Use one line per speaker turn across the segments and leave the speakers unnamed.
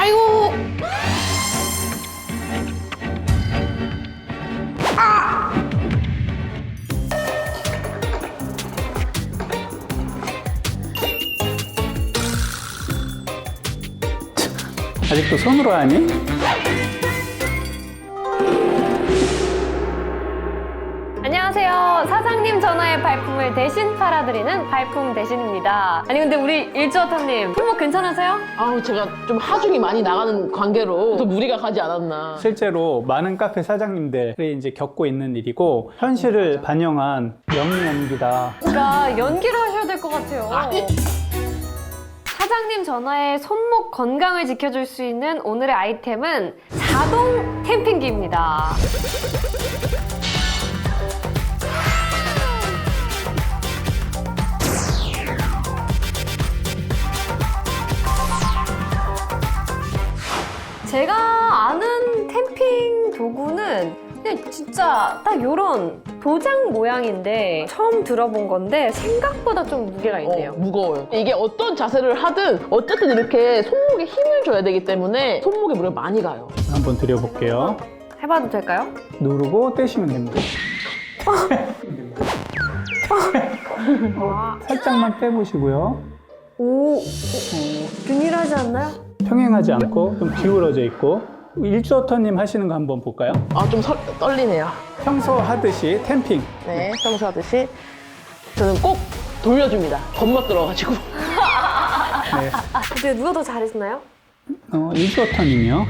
아이고.
아직도 손으로 하니?
안녕하세요. 사장님 전화의 발품을 대신 팔아드리는 발품 대신입니다. 아니 근데 우리 일주어터님 손목 괜찮으세요?
아우 제가 좀 하중이 많이 나가는 관계로 또 무리가 가지 않았나.
실제로 많은 카페 사장님들이 이제 겪고 있는 일이고 현실을 반영한 명연기다.
그러니까 연기를 하셔야 될 것 같아요. 사장님 전화의 손목 건강을 지켜줄 수 있는 오늘의 아이템은 자동 템핑기입니다. 제가 아는 템핑 도구는 그냥 진짜 딱 요런 도장 모양인데 처음 들어본 건데 생각보다 좀 무게가 있네요.
무거워요. 이게 어떤 자세를 하든 어쨌든 이렇게 손목에 힘을 줘야 되기 때문에 손목에 무리가 많이 가요.
한번 드려볼게요.
해봐도 될까요?
누르고 떼시면 됩니다. 살짝만 빼보시고요.
오, 균일하지 않나요?
평행하지 않고 좀 기울어져 있고. 일주어터님 하시는 거 한번 볼까요?
아 좀 떨리네요.
평소 하듯이 템핑.
네, 평소 하듯이 저는 꼭 돌려줍니다. 겁먹들어가지고.
네.
근데 누가 더 잘했나요?
일주어터님이요.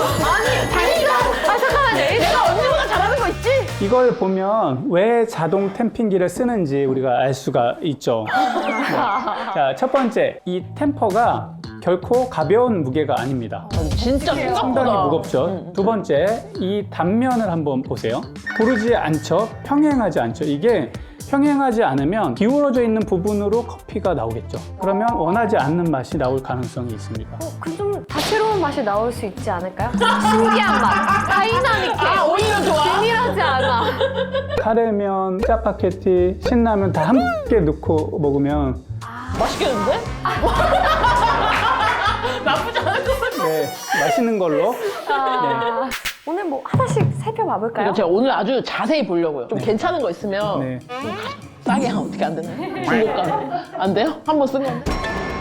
잠깐만요.
내가 언제보다 잘하는 거 있지?
이걸 보면 왜 자동 템핑기를 쓰는지 우리가 알 수가 있죠. 네. 자, 첫 번째, 이 템퍼가 결코 가벼운 무게가 아닙니다.
진짜 생각보다
상당히 무겁죠. 두 번째, 이 단면을 한번 보세요. 고르지 않죠? 평행하지 않죠? 이게 평행하지 않으면 기울어져 있는 부분으로 커피가 나오겠죠. 그러면 원하지 않는 맛이 나올 가능성이 있습니다.
그 좀 다채로운 맛이 나올 수 있지 않을까요? 신기한 맛, 다이나믹해.
오히려 좋아.
균일하지 않아.
카레면, 짜파게티, 신라면 다 함께 넣고 먹으면
맛있겠는데? 나쁘지 않을 것 같아.
네, 맛있는 걸로.
오늘 뭐 하나씩 살펴봐 볼까요?
그러니까 제가 오늘 아주 자세히 보려고요. 좀 괜찮은 거 있으면
네.
싸게 하면 어떻게 안 되나요? 중고가 안 돼요? 한 번 쓴 건데.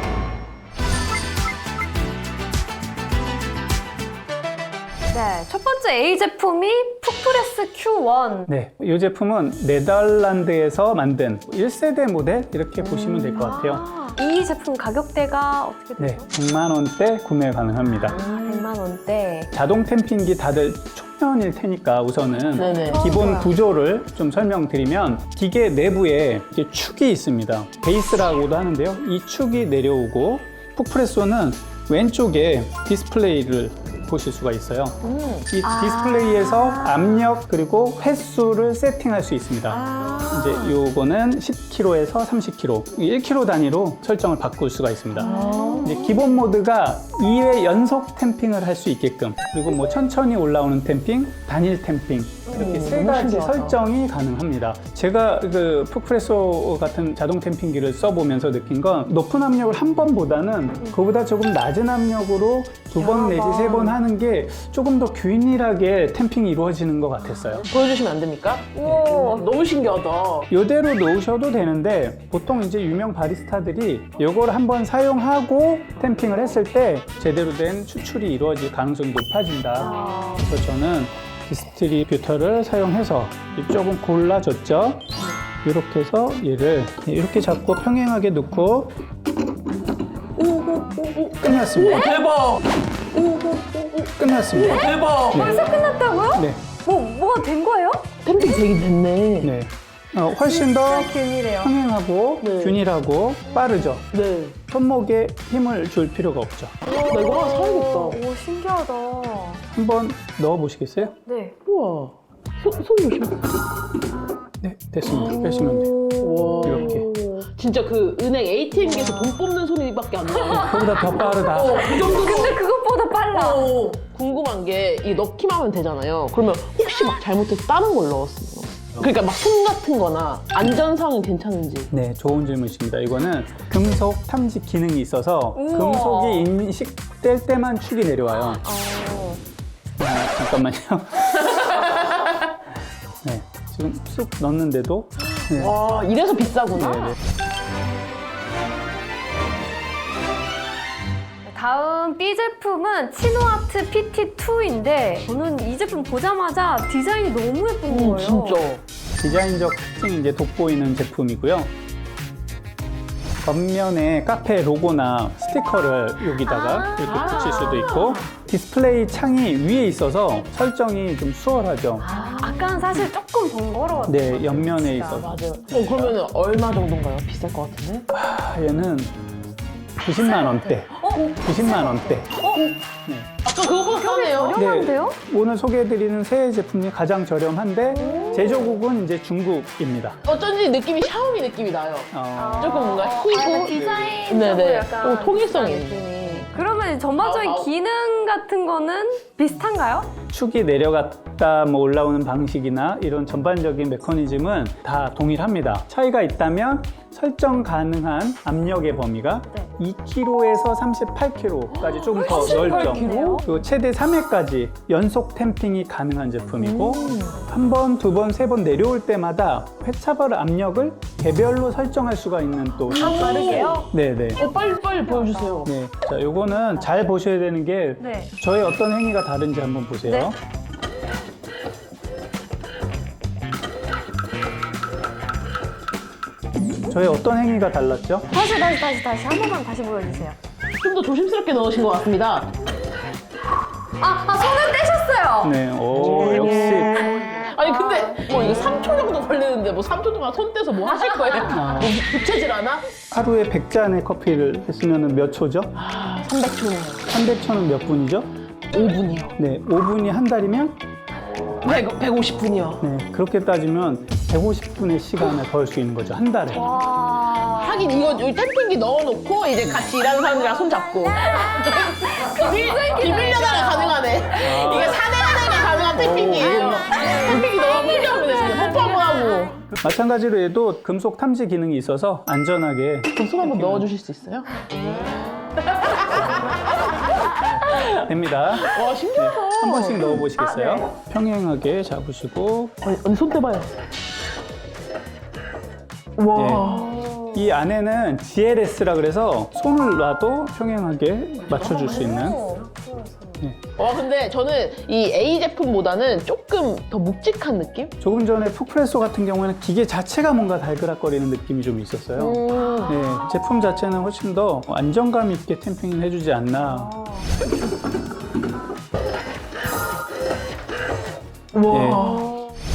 네, 첫 번째 A 제품이 푸프레스 Q1.
네, 이 제품은 네덜란드에서 만든 1세대 모델 이렇게 보시면 될 것 같아요.
이 제품 가격대가 어떻게
네,
되죠?
100만 원대 구매 가능합니다.
100만 원대.
자동 템핑기 다들 초면일 테니까 우선은
네네.
기본 구조를 좀 설명드리면 기계 내부에 이렇게 축이 있습니다. 베이스라고도 하는데요. 이 축이 내려오고 푸프레소는 왼쪽에 디스플레이를 보실 수가 있어요. 이 디스플레이에서 압력 그리고 횟수를 세팅할 수 있습니다. 이제 요거는 10kg에서 30kg, 1kg 단위로 설정을 바꿀 수가 있습니다. 이제 기본 모드가 2회 연속 템핑을 할 수 있게끔, 그리고 뭐 천천히 올라오는 템핑, 단일 템핑 이렇게 세 가지
신기하다.
설정이 가능합니다. 제가 그 푸프레소 같은 자동 템핑기를 써보면서 느낀 건 높은 압력을 한 번보다는 그보다 조금 낮은 압력으로 두 번 내지 세 번 하는 게 조금 더 균일하게 템핑이 이루어지는 것 같았어요.
보여주시면 안 됩니까?
오,
너무 신기하다.
이대로 놓으셔도 되는데 보통 이제 유명 바리스타들이 이걸 한번 사용하고 템핑을 했을 때 제대로 된 추출이 이루어질 가능성이 높아진다. 그래서 저는 디스트리뷰터를 사용해서 조금 골라줬죠. 이렇게 해서 얘를 이렇게 잡고 평행하게 놓고 끝났습니다.
대박!
끝났습니다.
대박!
벌써 끝났다고요?
네,
뭐가 된 거예요?
템핑 되긴 됐네.
네. 훨씬 더
진짜 균일해요.
평행하고
네.
균일하고 빠르죠.
네.
손목에 힘을 줄 필요가 없죠.
나 이거 하나 사야겠다.
오, 신기하다.
한번 넣어 보시겠어요?
네.
우와. 손 조심.
네, 됐습니다. 빼시면 돼요.
와.
이렇게.
진짜 그 은행 ATM기에서 돈 뽑는 소리밖에 안 나요.
그보다 더 빠르다.
그 정도로.
근데 그것보다 빨라.
궁금한 게 이 넣기만 하면 되잖아요. 그러면 혹시 막 잘못해서 다른 걸 넣었어요? 그러니까 막 손 같은 거나 안전상은 괜찮은지.
네, 좋은 질문이십니다. 이거는 금속 탐지 기능이 있어서
우와.
금속이 인식될 때만 축이 내려와요. 잠깐만요. 네, 지금 쑥 넣었는데도 네.
와, 이래서 비싸구나.
네, 네.
다음 B 제품은 치노아트 PT2인데 저는 이 제품 보자마자 디자인이 너무 예쁜 거예요.
진짜.
디자인적 특징이 이제 돋보이는 제품이고요. 겉면에 카페 로고나 스티커를 여기다가 이렇게 붙일 수도 있고 디스플레이 창이 위에 있어서 설정이 좀 수월하죠.
아까는 사실 조금 번거로웠어요.
네, 옆면에 있어서.
맞아요. 그러면 얼마 정도인가요? 비쌀 것 같은데?
얘는 90만 원대. 90만 원대. 네.
아까 그거보다 싸네요.
저렴한데요?
오늘 소개해드리는 새 제품이 가장 저렴한데 제조국은 이제 중국입니다.
어쩐지 느낌이 샤오미 느낌이 나요. 조금 뭔가 희고.
디자인적으로
네네.
약간
또 통일성이
비슷한 느낌이. 그러면 전반적인 기능 같은 거는 비슷한가요?
축이 내려갔다 뭐 올라오는 방식이나 이런 전반적인 메커니즘은 다 동일합니다. 차이가 있다면 설정 가능한 압력의 범위가
네.
2kg에서 38kg까지 조금 더 넓죠.
38kg?
그리고 최대 3회까지 연속 탬핑이 가능한 제품이고 한 번, 두 번, 세 번 내려올 때마다 회차별 압력을 개별로 설정할 수가 있는 또
빠르게요?
네네.
빨리 보여주세요.
네. 자, 요거는 잘 보셔야 되는 게
네.
저의 어떤 행위가 다른지 한번 보세요.
네.
저의 어떤 행위가 달랐죠?
다시 한 번만 다시 보여주세요.
좀 더 조심스럽게 넣으신 것 같습니다.
손을 떼셨어요.
네, 오, 역시.
아니 근데 뭐 이거 3초 정도 걸리는데 뭐 3초 동안 손 떼서 뭐 하실 거예요? 뭐 부채질 하나?
하루에 100잔의 커피를 했으면 몇 초죠?
300초네요.
300초는 몇 분이죠?
5분이요.
네, 5분이 한 달이면
150분이요.
네, 그렇게 따지면 150분의 시간을 벌 수 있는 거죠, 한 달에.
하긴 이거 여기 템핑기 넣어놓고 이제 같이 일하는 사람들이랑 손 잡고 비밀연애가 가능하네. 이게 사내연애가 가능한 템핑기. 템핑기 넣어놓고 필요하면 되잖아요. 뽀뽀 한번 하고.
마찬가지로 얘도 금속 탐지 기능이 있어서 안전하게
그럼 손 한번 넣어주실 수 있어요?
됩니다.
와 신기하다.
한 번씩 넣어보시겠어요?
아, 네.
평행하게 잡으시고
언니 손 떼봐요. 와.
이 안에는 GLS라 그래서 손을 놔도 평행하게 맞춰줄 수 있는
와 근데 저는 이 A 제품보다는 조금 더 묵직한 느낌?
조금 전에 푸프레소 같은 경우에는 기계 자체가 뭔가 달그락거리는 느낌이 좀 있었어요. 네, 제품 자체는 훨씬 더 안정감 있게 탬핑을 해주지 않나.
와.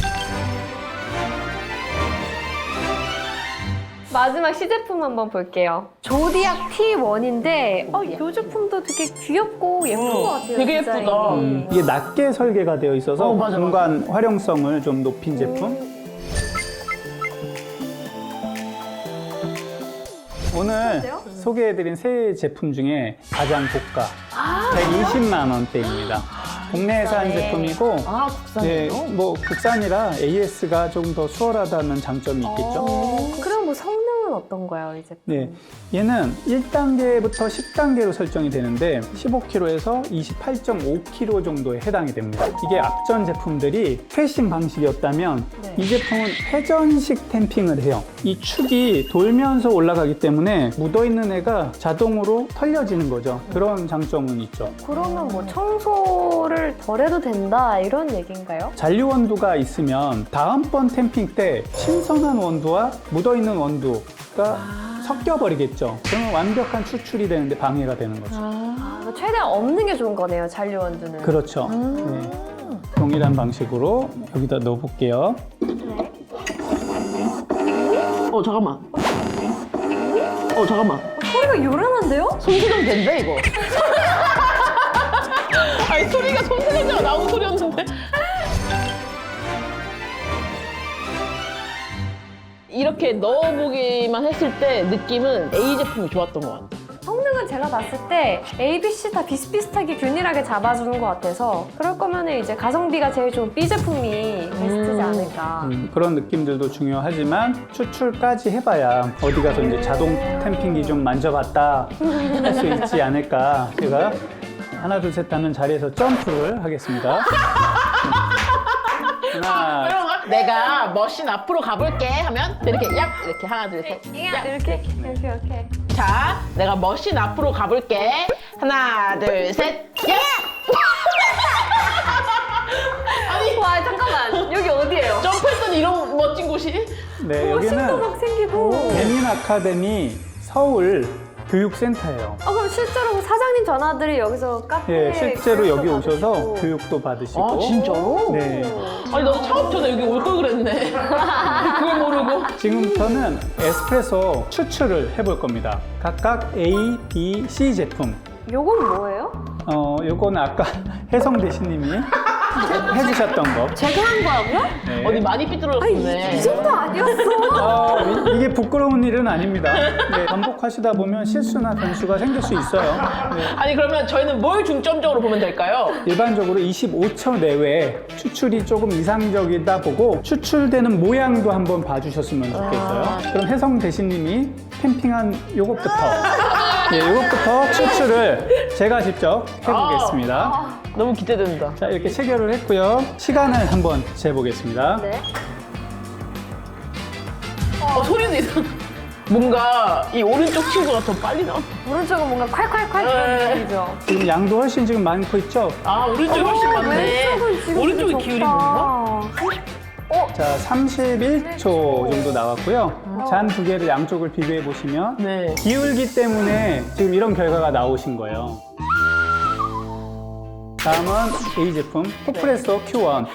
마지막 시제품 한번 볼게요. 조디악 T1인데 이 제품도 되게 귀엽고 예쁜 것 같아요.
되게
디자인이.
예쁘다.
이게 낮게 설계가 되어 있어서
맞아,
공간 활용성을 좀 높인 제품. 오늘 소개해드린 세 제품 중에 가장 고가 120만 원대입니다. 국내에서 한 제품이고
아
네,
국산이요?
뭐 국산이라 AS가 좀 더 수월하다는 장점이 있겠죠.
그럼 뭐 성능은 어떤가요, 이 제품?
네, 얘는 1단계부터 10단계로 설정이 되는데 15kg에서 28.5kg 정도에 해당이 됩니다. 이게 앞전 제품들이 트레이싱 방식이었다면
네.
이 제품은 회전식 탬핑을 해요. 이 축이 돌면서 올라가기 때문에 묻어있는 애가 자동으로 털려지는 거죠. 그런 장점은 있죠.
그러면 뭐 청소를 덜 해도 된다 이런 얘기인가요?
잔류 원두가 있으면 다음번 탬핑 때 신선한 원두와 묻어있는 원두가 섞여버리겠죠. 그러면 완벽한 추출이 되는데 방해가 되는 거죠.
최대한 없는 게 좋은 거네요, 잔류 원두는.
그렇죠. 네. 동일한 방식으로 여기다 넣어볼게요.
잠깐만. 잠깐만.
소리가 요란한데요?
손수정 된다 이거. 아니 소리가 손수정자가 나온 소리였는데. 이렇게 넣어보기만 했을 때 느낌은 A 제품이 좋았던 것 같아요.
성능은 제가 봤을 때 A, B, C 다 비슷비슷하게 균일하게 잡아주는 것 같아서 그럴 거면 이제 가성비가 제일 좋은 B 제품이 베스트지 않을까.
그런 느낌들도 중요하지만 추출까지 해봐야 어디 가서 이제 자동 템핑기 좀 만져봤다 할 수 있지 않을까. 제가 하나 둘 셋 하면 자리에서 점프를 하겠습니다. 하나,
그럼 내가 머신 앞으로 가볼게 하면 이렇게 얍 이렇게 하나 둘 셋. 얍.
이렇게.
자, 내가 머신 앞으로 가볼게. 하나 둘 셋. 얍.
와, 잠깐만. 여기 어디예요?
점프했더니 이런 멋진 곳이?
네,
오, 신도
여기는
막 생기고.
배민 아카데미 서울 교육센터예요.
그럼 실제로 사장님 전화들이 여기서 카페에
예, 실제로 여기
교육도
오셔서
받으시고.
교육도 받으시고.
아, 진짜로?
네.
아니, 나도 처음 전에 여기 올 걸 그랬네. 그걸 모르고.
지금부터는 에스프레소 추출을 해볼 겁니다. 각각 A, B, C 제품.
요건 뭐예요?
요거는 아까 혜성 대신님이 해주셨던 거.
제가 한 거라고요?
네.
어디 많이 삐뚤어졌네.
이 정도 아니었어.
이게 부끄러운 일은 아닙니다. 네, 반복하시다 보면 실수나 변수가 생길 수 있어요. 네.
아니, 그러면 저희는 뭘 중점적으로 보면 될까요?
일반적으로 25초 내외에 추출이 조금 이상적이다 보고 추출되는 모양도 한번 봐주셨으면 좋겠어요. 그럼 혜성 대신님이 캠핑한 요것부터 요것부터 추출을 제가 직접 해보겠습니다.
너무 기대된다.
자, 이렇게 체결을 했고요. 시간을 한번 재보겠습니다.
네.
소리도 이상. 뭔가 이 오른쪽 친구가 더 빨리 나와.
오른쪽은 뭔가 콸콸콸 그런
네.
느낌이죠.
지금 양도 훨씬 지금 많고 있죠?
아, 오른쪽이 훨씬 많네.
왼쪽은 지금
오른쪽이
좀
기울이
적다.
있나?
자, 31초 정도 나왔고요. 잔 두 개를 양쪽을 비교해 보시면
네.
기울기 때문에 지금 이런 결과가 나오신 거예요. 다음은 A 제품 포프레소 Q1.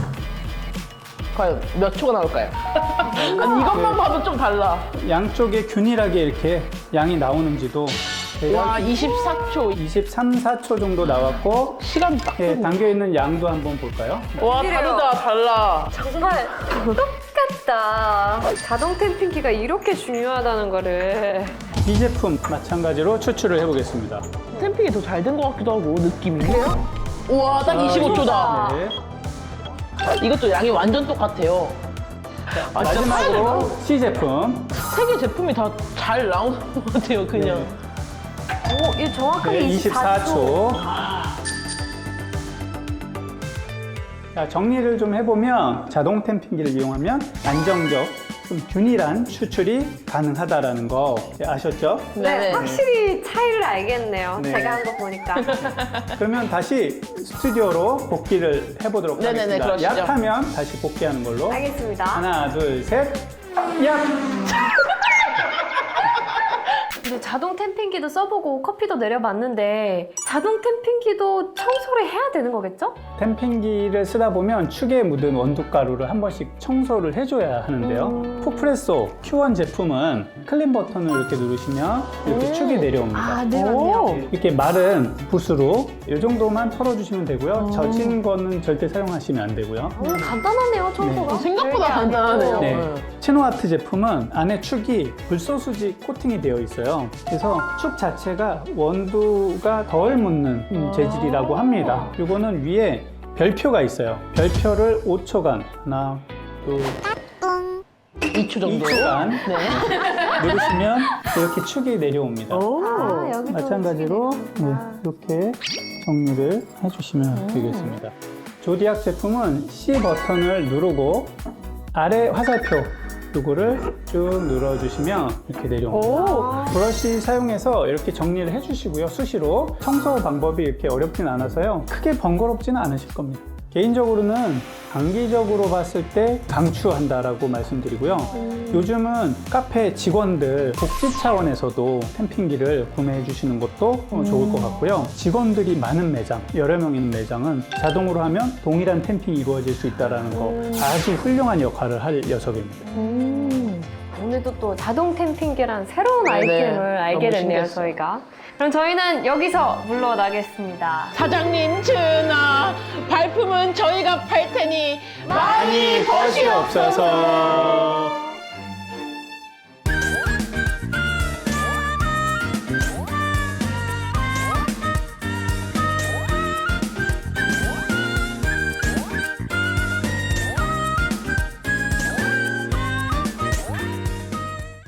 과연 몇 초가 나올까요? 아니, 이것만 봐도 좀 달라.
양쪽에 균일하게 이렇게 양이 나오는지도
와, 24초.
23, 4초 정도 나왔고
시간 딱.
예, 담겨있는 양도 한번 볼까요?
와,
이래요.
다르다, 달라.
정말 똑같다. 자동 템핑기가 이렇게 중요하다는 거를.
B 제품 마찬가지로 추출을 해보겠습니다.
템핑이 더 잘 된 것 같기도 하고, 느낌이. 그래요? 우와, 딱 25초다.
네.
이것도 양이 완전 똑같아요. 아, 진짜
마지막으로 C 제품.
세개 제품이 다 잘 나오는 것 같아요, 그냥.
네.
오, 이 정확하게
네,
24초.
24초. 자, 정리를 좀 해보면 자동 템핑기를 이용하면 안정적, 좀 균일한 추출이 가능하다라는 거 아셨죠?
네,
네.
확실히 차이를 알겠네요.
네.
제가 한 거 보니까.
그러면 다시 스튜디오로 복귀를 해보도록
네네네,
하겠습니다.
그러시죠.
약하면 다시 복귀하는 걸로.
알겠습니다.
하나, 둘, 셋. 약!
근데 자동 템핑기도 써보고 커피도 내려봤는데 자동 템핑기도 청소를 해야 되는 거겠죠?
템핑기를 쓰다 보면 축에 묻은 원두가루를 한 번씩 청소를 해줘야 하는데요. 푸프레소 Q1 제품은 클린 버튼을 이렇게 누르시면 이렇게 축이 내려옵니다.
아, 네, 맞네요.
이렇게 마른 붓으로 이 정도만 털어주시면 되고요. 젖은 거는 절대 사용하시면 안 되고요.
오늘 간단하네요, 청소가.
생각보다
별게 아니고.
간단하네요.
네. 치노아트 제품은 안에 축이 불소수지 코팅이 되어 있어요. 그래서 축 자체가 원두가 덜 묻는 재질이라고 합니다. 이거는 위에 별표가 있어요. 별표를 5초간, 하나, 둘,
2초 정도.
2초간
네.
누르시면 이렇게 축이 내려옵니다.
아, 여기도
마찬가지로 네, 이렇게 정리를 해주시면 되겠습니다. 조디악 제품은 C 버튼을 누르고 아래 화살표 이거를 쭉 눌러주시면 이렇게 내려옵니다. 브러쉬 사용해서 이렇게 정리를 해주시고요. 수시로 청소 방법이 이렇게 어렵진 않아서요. 크게 번거롭지는 않으실 겁니다. 개인적으로는 단기적으로 봤을 때 강추한다라고 말씀드리고요. 요즘은 카페 직원들 복지 차원에서도 템핑기를 구매해 주시는 것도 좋을 것 같고요. 직원들이 많은 매장, 여러 명 있는 매장은 자동으로 하면 동일한 템핑이 이루어질 수 있다는 거 아주 훌륭한 역할을 할 녀석입니다.
오늘도 또 자동 템핑기란 새로운
네네.
아이템을 알게
너무
됐네요,
신기했어요.
저희가. 그럼 저희는 여기서 물러나겠습니다.
사장님, 전하, 발품은 저희가 팔 테니 많이
것이 없어서